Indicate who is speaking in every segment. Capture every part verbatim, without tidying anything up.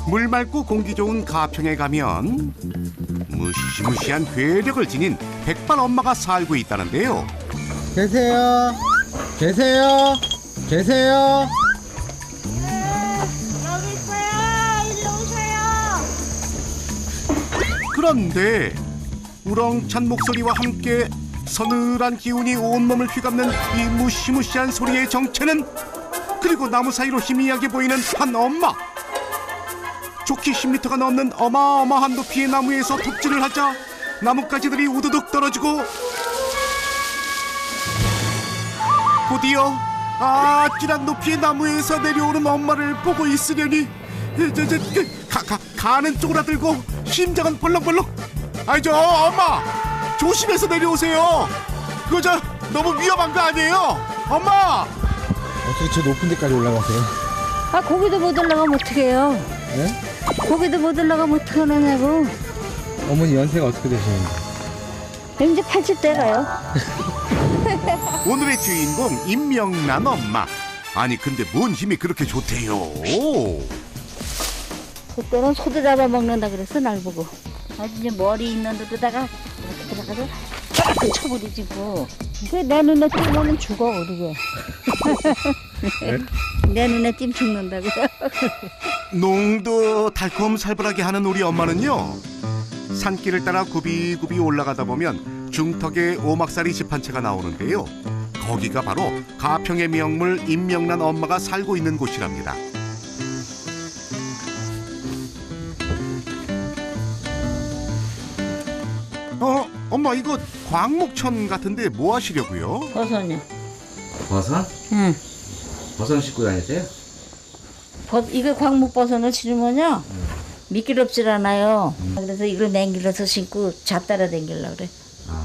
Speaker 1: 물 맑고 공기 좋은 가평에 가면 무시무시한 괴력을 지닌 백발 엄마가 살고 있다는데요.
Speaker 2: 계세요? 계세요? 계세요?
Speaker 3: 여기 있어요. 일로 오세요.
Speaker 1: 그런데 우렁찬 목소리와 함께 서늘한 기운이 온몸을 휘감는 이 무시무시한 소리의 정체는, 그리고 나무 사이로 희미하게 보이는 한 엄마. 좋기 십 미터가 넘는 어마어마한 높이의 나무에서 톱질을 하자 나뭇가지들이 우두둑 떨어지고 곧이어 아찔한 높이의 나무에서 내려오는 엄마를 보고 있으려니 저, 저, 그, 가, 가, 가는 쪼그라들고 심장은 벌렁벌렁. 아이 저 엄마 조심해서 내려오세요. 그거 저 너무 위험한 거 아니에요? 엄마!
Speaker 2: 어떻게 저 높은 데까지 올라가세요?
Speaker 3: 아, 거기도 못 올라가면 어떡해요?
Speaker 2: 네?
Speaker 3: 거기도 못 올라가면 어떡하느냐고.
Speaker 2: 어머니 연세가 어떻게 되시는데?
Speaker 3: 이제 팔십 대가요.
Speaker 1: 오늘의 주인공 임명란 엄마. 아니 근데 뭔 힘이 그렇게 좋대요?
Speaker 3: 그때는 소도 잡아먹는다 그랬어, 날 보고. 아주 이제 머리 있는 데다가 이렇게 들어가서 쫙 쳐버리지 뭐. 그내 눈에 띄면 죽어, 어디게. 내 눈에 띄면 죽는다고.
Speaker 1: 농도 달콤살벌하게 하는 우리 엄마는요, 산길을 따라 굽이굽이 올라가다 보면 중턱에 오막살이 집 한 채가 나오는데요. 거기가 바로 가평의 명물 임명란 엄마가 살고 있는 곳이랍니다. 어, 엄마 이거 광목천 같은데 뭐 하시려고요?
Speaker 3: 버섯이요.
Speaker 2: 버섯?
Speaker 3: 응.
Speaker 2: 버섯 씻고 다니세요?
Speaker 3: 버, 이거 광목버섯을 치르면요, 미끄럽질 않아요. 그래서 이걸 맹길러서 신고 잡따라 댕기려고 그래.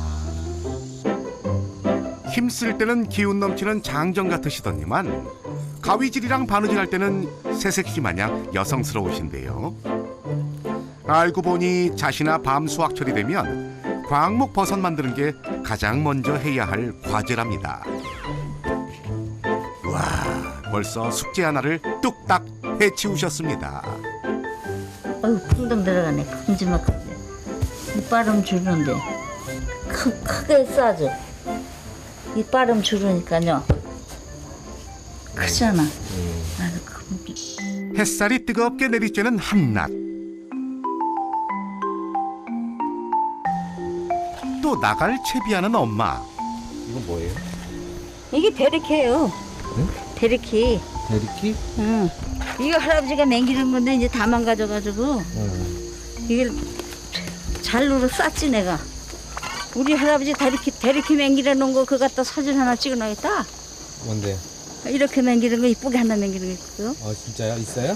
Speaker 1: 힘쓸 때는 기운 넘치는 장정 같으시더니만 가위질이랑 바느질 할 때는 새색시 마냥 여성스러우신데요. 알고 보니 자시나 밤 수확철이 되면 광목 버섯 만드는 게 가장 먼저 해야 할 과제랍니다. 와, 벌써 숙제 하나를 뚝딱 해치우셨습니다.
Speaker 3: 어휴, 풍덩 들어가네. 큼지막하게. 이빨음 주는데 크, 크게 싸죠. 이빨음 주르니까요. 크잖아. 아주 큰.
Speaker 1: 햇살이 뜨겁게 내리쬐는 한낮. 또 나갈 채비하는 엄마.
Speaker 2: 이건 뭐예요?
Speaker 3: 이게 대리키예요.
Speaker 2: 응?
Speaker 3: 대리키.
Speaker 2: 대리키?
Speaker 3: 응. 이거 할아버지가 맹기는 건데 이제 다 망가져가지고
Speaker 2: 응.
Speaker 3: 이걸 잘로로 쌌지 내가. 우리 할아버지 대리키 대리키 맹기려 놓은 거 그거 갖다 사진 하나 찍어놔야겠다.
Speaker 2: 뭔데?
Speaker 3: 이렇게 맹기는 거 이쁘게 하나 맹기는 거 있고요.
Speaker 2: 어 진짜요? 있어요?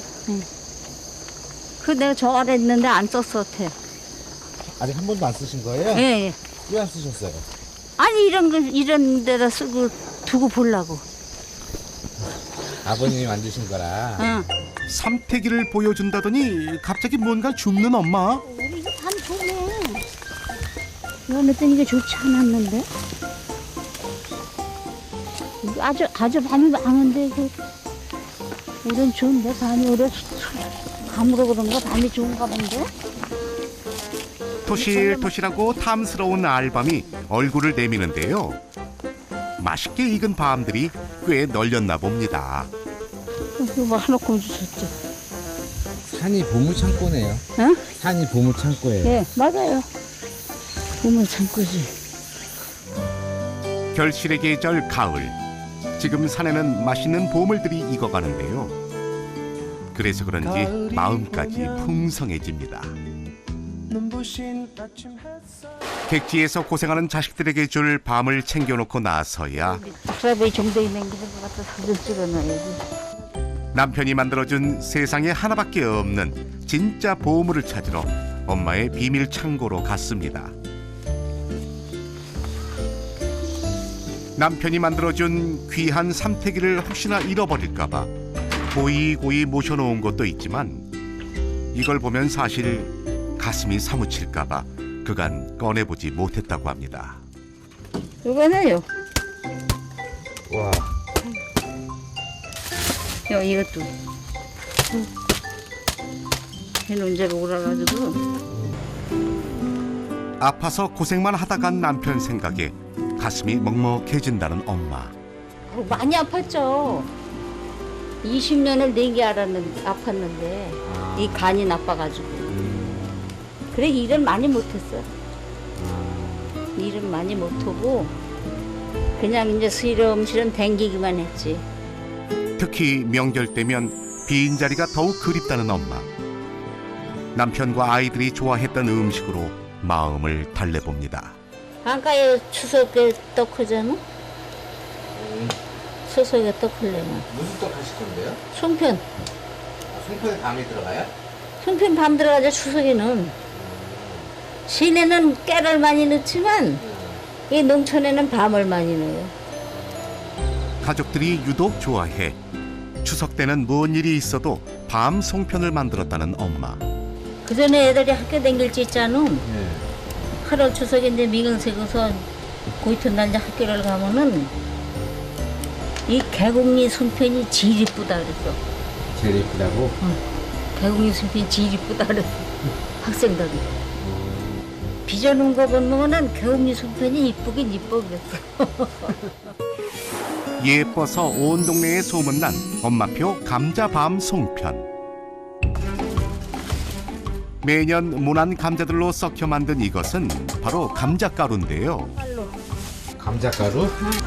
Speaker 3: 그 내가 저 아래 있는데 안 썼어, 어때?
Speaker 2: 아직 한 번도 안 쓰신 거예요?
Speaker 3: 예, 예.
Speaker 2: 왜 안 쓰셨어요?
Speaker 3: 아니 이런 거 이런 데다 쓰고 두고 보려고.
Speaker 2: 아버님이 만드신 거라.
Speaker 3: 응.
Speaker 1: 삼태기를 보여준다더니 갑자기 뭔가 줍는 엄마.
Speaker 3: 우리 이거 반 좋네. 이거 냈더니 이게 좋지 않았는데? 이거 아주 아주 밤이 많은데 이거 우린 좋은데 밤이 오래 감으로 그런가 밤이 좋은가 본데?
Speaker 1: 토실토실하고 탐스러운 알밤이 얼굴을 내미는데요. 맛있게 익은 밤들이 꽤 널렸나 봅니다.
Speaker 3: 이거 뭐 하나 구워주셨죠?
Speaker 2: 산이 보물 창고네요.
Speaker 3: 응?
Speaker 2: 산이 보물 창고예요.
Speaker 3: 예, 맞아요. 보면 참고지.
Speaker 1: 결실의 계절 가을. 지금 산에는 맛있는 보물들이 익어가는데요. 그래서 그런지 마음까지 풍성해집니다. 객지에서 고생하는 자식들에게 줄 밤을 챙겨놓고 나서야
Speaker 3: 할아버지 정도에 맹기는 것 같아 사진 찍어놔야지.
Speaker 1: 남편이 만들어준 세상에 하나밖에 없는 진짜 보물을 찾으러 엄마의 비밀 창고로 갔습니다. 남편이 만들어준 귀한 삼태기를 혹시나 잃어버릴까봐 고이고이 모셔놓은 것도 있지만 이걸 보면 사실 가슴이 사무칠까봐 그간 꺼내보지 못했다고 합니다.
Speaker 3: 이거는요.
Speaker 2: 와.
Speaker 3: 요 이것도. 해논제가 오라가지고.
Speaker 1: 아파서 고생만 하다 간 남편 생각에 가슴이 먹먹해진다는 엄마.
Speaker 3: 어, 많이 아팠죠. 이십 년을 내게 알았는데 아팠는데
Speaker 2: 아.
Speaker 3: 이 간이 나빠가지고.
Speaker 2: 음.
Speaker 3: 그래 일을 많이 못했어.
Speaker 2: 아.
Speaker 3: 일은 많이 못하고 그냥 이제 시름시름 댕기기만 했지.
Speaker 1: 특히 명절 때면 빈자리가 더욱 그립다는 엄마. 남편과 아이들이 좋아했던 음식으로 마음을 달래봅니다.
Speaker 3: 한가에 추석에 떡하잖아.
Speaker 2: 음.
Speaker 3: 추석에 떡하려면
Speaker 2: 무슨 떡 하실 건데요?
Speaker 3: 송편.
Speaker 2: 아, 송편에 밤이 들어가요?
Speaker 3: 송편 밤 들어가자 추석에는. 시내는 깨를 많이 넣지만
Speaker 2: 음.
Speaker 3: 이 농촌에는 밤을 많이 넣어요.
Speaker 1: 가족들이 유독 좋아해 추석 때는 뭔 일이 있어도 밤 송편을 만들었다는 엄마.
Speaker 3: 그 전에 애들이 학교 다닐 때 있잖아.
Speaker 2: 네.
Speaker 3: 팔월 추석에 이제 미경색에서 고이튿날 이제 학교를 가면은 이 개공리 송편이 제일 이쁘다 그랬어.
Speaker 2: 제일 예쁘다고?
Speaker 3: 개공리 송편이 제일 이쁘다 그랬어. 학생들이. 빚어놓은 거 보면은 개공리 송편이 이쁘긴 이뻐 그랬어.
Speaker 1: 예뻐서 온 동네에 소문난 엄마표 감자밤 송편. 매년 모난 감자들로 썩혀 만든 이것은 바로 감자가루인데요.
Speaker 3: 빨로.
Speaker 2: 감자가루?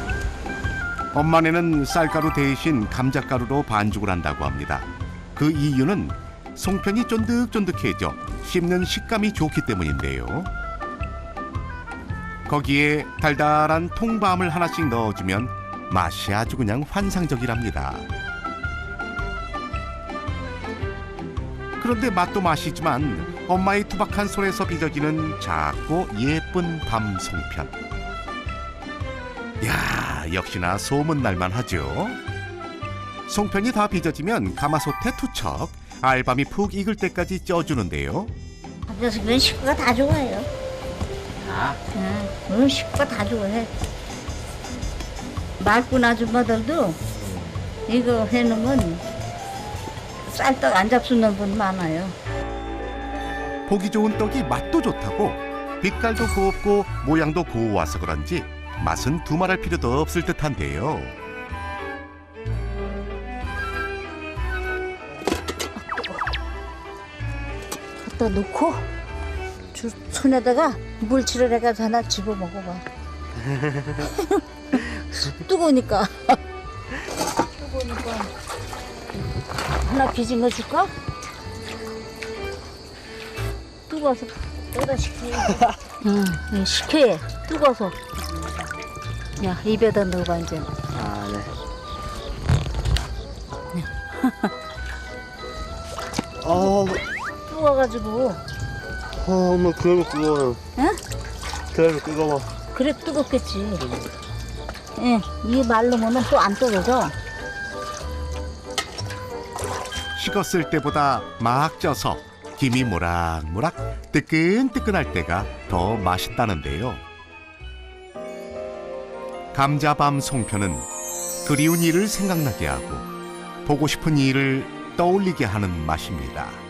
Speaker 1: 엄마네는 쌀가루 대신 감자가루로 반죽을 한다고 합니다. 그 이유는 송편이 쫀득쫀득해져 씹는 식감이 좋기 때문인데요. 거기에 달달한 통밤을 하나씩 넣어주면 맛이 아주 그냥 환상적이랍니다. 그런데 맛도 맛이지만 엄마의 투박한 손에서 빚어지는 작고 예쁜 밤 송편. 야, 역시나 소문날만 하죠. 송편이 다 빚어지면 가마솥에 투척, 알밤이 푹 익을 때까지 쪄주는데요.
Speaker 3: 감자송편 식구가 다 좋아해요.
Speaker 2: 아.
Speaker 3: 응, 오늘 식구가 다 좋아해. 말꾼 아줌마들도 이거 해놓으면 쌀떡 안 잡수는 분 많아요.
Speaker 1: 보기 좋은 떡이 맛도 좋다고 빛깔도 곱고 모양도 고와서 그런지 맛은 두말할 필요도 없을 듯한데요.
Speaker 3: 갖다 놓고 주, 손에다가 물칠을 해가지고 하나 집어 먹어봐. 뜨거우니까. 뜨거우니까 하나 빚은 거 줄까? 뜨거워서 여기다 식혀야 응, 식혀야 뜨거워서. 야, 입에다 넣어봐 이제.
Speaker 2: 아, 네.
Speaker 4: 아,
Speaker 3: 뜨거워가지고.
Speaker 4: 아, 엄마 그러면 뜨거워요.
Speaker 3: 응?
Speaker 4: 그러면 뜨거워.
Speaker 3: 그래 뜨겁겠지. 예, 이 말르면은 또 안 뜨거져.
Speaker 1: 식었을 때보다 막 쪄서 김이 모락모락 뜨끈뜨끈할 때가 더 맛있다는데요. 감자밤 송편은 그리운 일을 생각나게 하고 보고 싶은 일을 떠올리게 하는 맛입니다.